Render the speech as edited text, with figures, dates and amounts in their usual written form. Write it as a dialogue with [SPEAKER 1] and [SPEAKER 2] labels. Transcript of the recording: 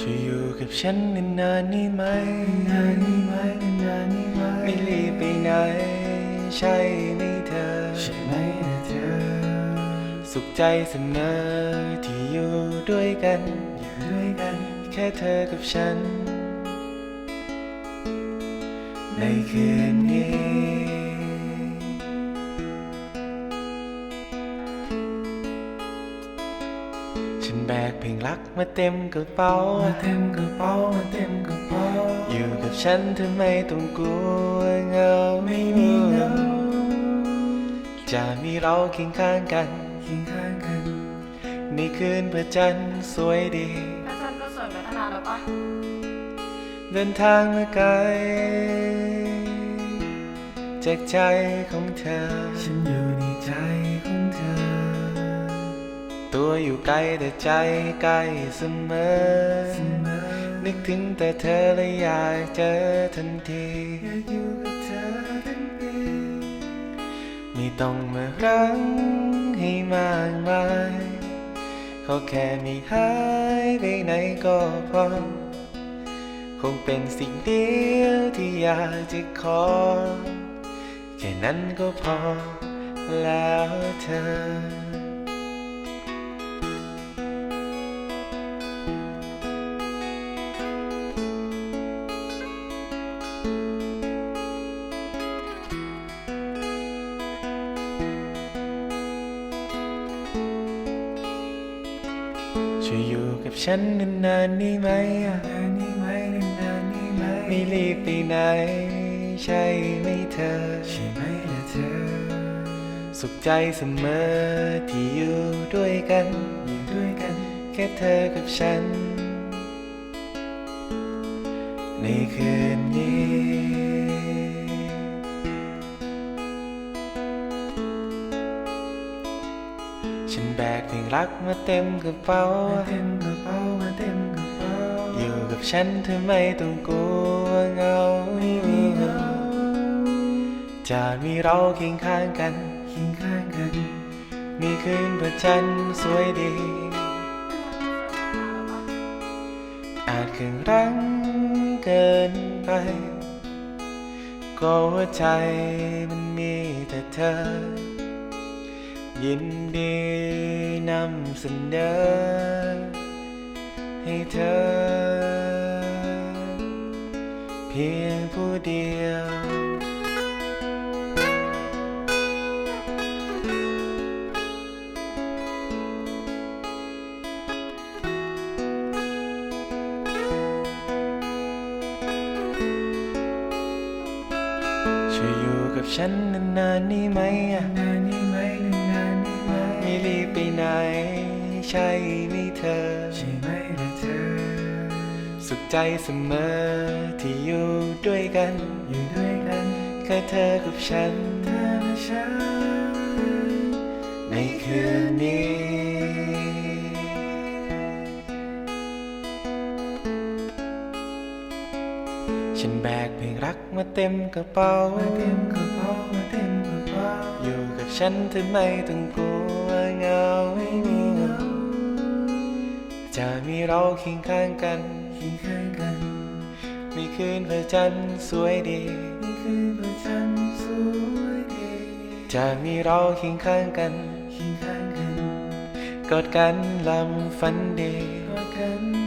[SPEAKER 1] ช่วยอยู่กับฉันนานๆนี่ไหมไม่รีบไปไหนใช่ไหมเธอสุขใจเสมอที่อยู่ด้วยกันแค่เธอกับฉันในคืนนี้ฉันแบกเพลงรักมาเต็มกระเป๋าอยู่กับฉันเธอไม่ต้องกลัวเหงาไม่มีเหงาจะมีเราเคียงข้างกันในคืนพระจันทร์สวยดี
[SPEAKER 2] พระจันทร์ก็สวยมาตั้งนานแล้วปะ
[SPEAKER 1] เดินทางมาไกลจากใจของเธอฉันอยู่ในใจของเธอตัวอยู่ไกลแต่ใจใกล้เสมอนึกถึงแต่เธอและอยากเจอทันทีอยากอยู่กับเธอทันทีไม่ต้องมารังให้มากมายขอแค่ไม่หายไปไหนก็พอคงเป็นสิ่งเดียวที่อยากจะขอแค่นั้นก็พอแล้วเธอช่วยอยู่กับฉันนานๆนี่ไหมไม่รีบไปไหนใช่ไหมเธอสุขใจเสมอที่อยู่ด้วยกันแค่เธอกับฉันในคืนนี้ฉันแบกเพลงรักมาเต็มกระเป๋าอยู่กับฉันเธอไม่ต้องกลัวเหงาจะมีเราเคียงข้างกันมีคืนพระจันทร์สวยดีอาจเกินรังเกินไปก็หัวใจมันมีแต่เธอยินดีนำเสนอให้เธอเพียงผู้เดียวช่วยอยู่กับฉันนานๆนี่ไหมไม่รีบไปไหนใช่ไหมเธอสุขใจเสมอที่อยู่ด้วยกันแค่เธอกับฉันในคืนนี้ฉันแบกเพลงรักมาเต็มกระเป๋าอยู่กับฉันเธอไม่ต้องกลัวเหงาจะมีเราเคียงข้างกันในคืนพระจันทร์สวยดีจะมีเราเคียงข้างกันกอดกันลำฝันดี